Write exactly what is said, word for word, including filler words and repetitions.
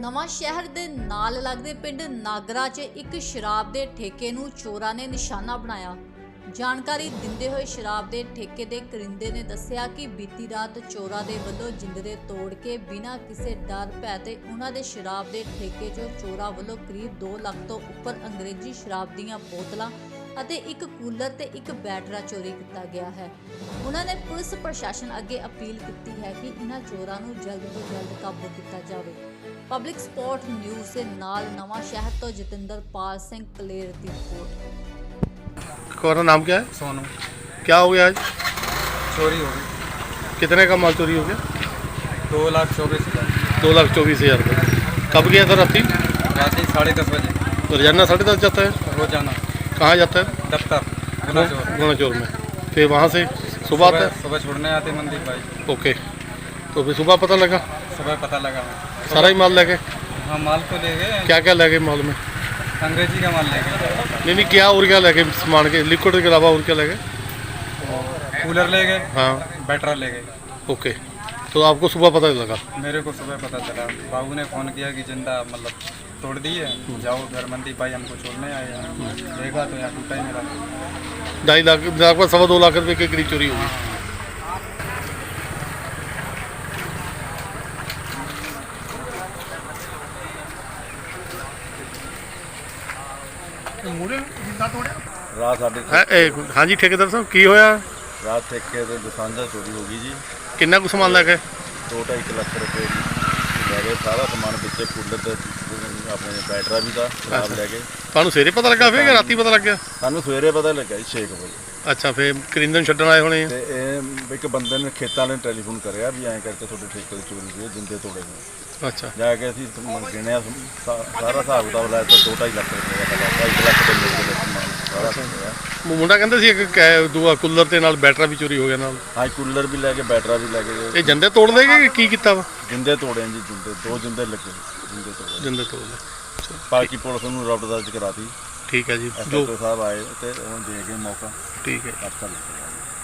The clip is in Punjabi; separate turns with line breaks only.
ਨਵਾਂ ਸ਼ਹਿਰ ਦੇ ਨਾਲ ਲੱਗਦੇ ਪਿੰਡ ਨਾਗਰਾ 'ਚ ਇੱਕ ਸ਼ਰਾਬ ਦੇ ਠੇਕੇ ਨੂੰ ਚੋਰਾਂ ਨੇ ਨਿਸ਼ਾਨਾ ਬਣਾਇਆ। ਜਾਣਕਾਰੀ ਦਿੰਦੇ ਹੋਏ ਸ਼ਰਾਬ ਦੇ ਠੇਕੇ ਦੇ ਕਰਿੰਦੇ ਨੇ ਦੱਸਿਆ ਕਿ ਬੀਤੀ ਰਾਤ ਚੋਰਾਂ ਦੇ ਵੱਲੋਂ ਜਿੰਦਰੇ ਤੋੜ ਕੇ ਬਿਨਾਂ ਕਿਸੇ ਡਰ ਭੈ ਤੇ ਉਹਨਾਂ ਦੇ ਸ਼ਰਾਬ ਦੇ ਠੇਕੇ 'ਚੋਂ ਚੋਰਾਂ ਵੱਲੋਂ ਕਰੀਬ ਦੋ ਲੱਖ ਤੋਂ ਉੱਪਰ ਅੰਗਰੇਜ਼ੀ ਸ਼ਰਾਬ ਦੀਆਂ ਬੋਤਲਾਂ ਅਤੇ ਇੱਕ ਕੂਲਰ ਤੇ ਇੱਕ ਬੈਟਰਾ ਚੋਰੀ ਕੀਤਾ ਗਿਆ ਹੈ। ਉਹਨਾਂ ਨੇ ਪੁਲਿਸ ਪ੍ਰਸ਼ਾਸਨ ਅੱਗੇ ਅਪੀਲ ਕੀਤੀ ਹੈ ਕਿ ਇਹਨਾਂ ਚੋਰਾਂ ਨੂੰ ਜਲਦ ਤੋਂ ਜਲਦ ਕਾਬੂ ਕੀਤਾ ਜਾਵੇ। ਪਬਲਿਕ ਸਪੋਰਟ ਨਿਊਜ਼ ਦੇ ਨਾਲ नवा शहर तो जतिंदर पाल सिंह कलेर की रिपोर्ट।
तुम्हारा नाम क्या है?
सोनू।
क्या हो गया आज?
चोरी हो गई।
कितने का माल चोरी हो गया?
दो लाख चौबीस हज़ार
दो लाख चौबीस हज़ार रुपये। कब गया था राती?
रात साढ़े दस बजे।
तो रोजाना साढ़े दस जाता है?
रोजाना।
कहाँ जाता है?
दफ्तर गुनाचोर।
गुनाचोर में। फिर वहाँ से सुबह आता है?
सुबह छोड़ने आते मंदिर भाई।
ओके, तो फिर सुबह पता लगा?
सुबह पता लगा।
सारा ही माल ले गए?
हाँ माल तो ले गए।
क्या क्या ले गए माल में?
अंग्रेजी का माल ले गए।
नहीं नहीं, क्या और क्या ले गए सामान के? लिक्विड के अलावा और क्या ले गए?
कूलर ले गए।
हाँ।
बैटरा ले गए।
ओके, तो आपको सुबह पता लगा?
मेरे को सुबह पता चला। बाबू ने फ़ोन किया कि जिंदा मतलब तोड़ दी है, जाओ घर मंदी भाई हमको छोड़ने आए हैं। देखा तो यहाँ टूटा ही मेरा।
ढाई लाख लगभग सवा दो लाख रुपये के करीब चोरी होगी।
ਰਾਤ ਸਾਡੇ
हाँ जी ठेकेदार साहब की होया?
ਰਾਤ ਠੇਕੇ ਤੇ ਦੁਕਾਨਦਾਰ ਚੋਰੀ ਹੋ ਗਈ ਜੀ।
किन्ना कुछ सामान लैके?
ਦੋ ਢਾਈ ਕੁ ਲੱਖ ਰੁਪਏ ਦੀ ਲੈ ਗਏ। ਸਾਰਾ ਸਮਾਨ ਵਿੱਚੇ ਕੂਲਰ ਤੇ ਆਪਣੇ ਬੈਟਰਾ ਵੀ ਦਾ ਖਰਾਬ ਲੈ ਗਏ।
ਤੁਹਾਨੂੰ ਸਵੇਰੇ ਪਤਾ ਲੱਗਾ ਫਿਰ ਕਿ ਰਾਤੀ ਪਤਾ ਲੱਗਿਆ?
ਸਾਨੂੰ ਸਵੇਰੇ ਪਤਾ ਲੱਗਾ ਜੀ ਛੇ ਕੁ ਵਜੇ।
ਅੱਛਾ, ਫਿਰ ਕਰਿੰਦਨ ਛੱਡਣ ਆਏ ਹੋਣੇ ਆ।
ਤੇ ਇਹ ਇੱਕ ਬੰਦੇ ਨੇ ਖੇਤਾਂ ਵਾਲੇ ਨੇ ਟੈਲੀਫੋਨ ਕਰਿਆ ਵੀ ਐਂ ਕਰਕੇ ਤੁਹਾਡੇ ਠੇਕੇ ਦੀ ਚੋਰੀ ਹੋਈ ਹੈ, ਜਿੰਦੇ ਤੋੜੇ ਨੇ।
ਅੱਛਾ,
ਜਾ ਕੇ ਅਸੀਂ ਸਮਾਨ ਗਿਣਿਆ, ਸਾ- ਸਾਰਾ ਹਿਸਾਬ ਕਿਤਾਬ ਲਾਇਆ ਤਾਂ ਦੋ ਢਾਈ ਲੱਖ ਰੁਪਏ ਦਾ ਲੱਗਾ। ਢਾਈ ਲੱਖ ਦੇ ਮੇਰੇ ਕੋਲ ਸਮਾਨ ਸਾਰਾ ਹੋਇਆ।
ਮੁੰਡਾ ਕਹਿੰਦਾ ਸੀ ਇੱਕ ਕੈ- ਦੂਆ ਕੂਲਰ ਤੇ ਨਾਲ ਬੈਟਰਾ ਵੀ ਚੋਰੀ ਹੋ ਗਿਆ ਨਾਲ।
ਹਾਂ ਕੂਲਰ ਵੀ ਲੈ ਕੇ ਬੈਟਰਾ ਵੀ ਲੈ ਕੇ
ਇਹ ਜੰਦੇ ਤੋੜ ਲੇਗੇ ਕਿ ਕੀ ਕੀਤਾ ਵਾ?
ਜਿੰਦੇ ਤੋੜੇ ਜੀ, ਜਿੰਦੇ ਦੋ ਜਿੰਦੇ ਲੱਗੇ ਜਿੰਦੇ ਤੋੜੇ।
ਜੰਦੇ ਤੋੜ ਲਏ।
ਬਾਕੀ ਪੁਲਿਸ ਨੂੰ ਰੌਡ ਦਰਜ ਕਰਾਤੀ।
ਠੀਕ ਹੈ ਜੀ,
ਐਸਐਚਓ
ਜੋ
ਸਾਹਿਬ ਆਏ ਤੇ ਹੁਣ ਦੇ ਗਏ ਮੌਕਾ।
ਠੀਕ ਹੈ।
ਅੱਛਾ ਲੱਗਿਆ।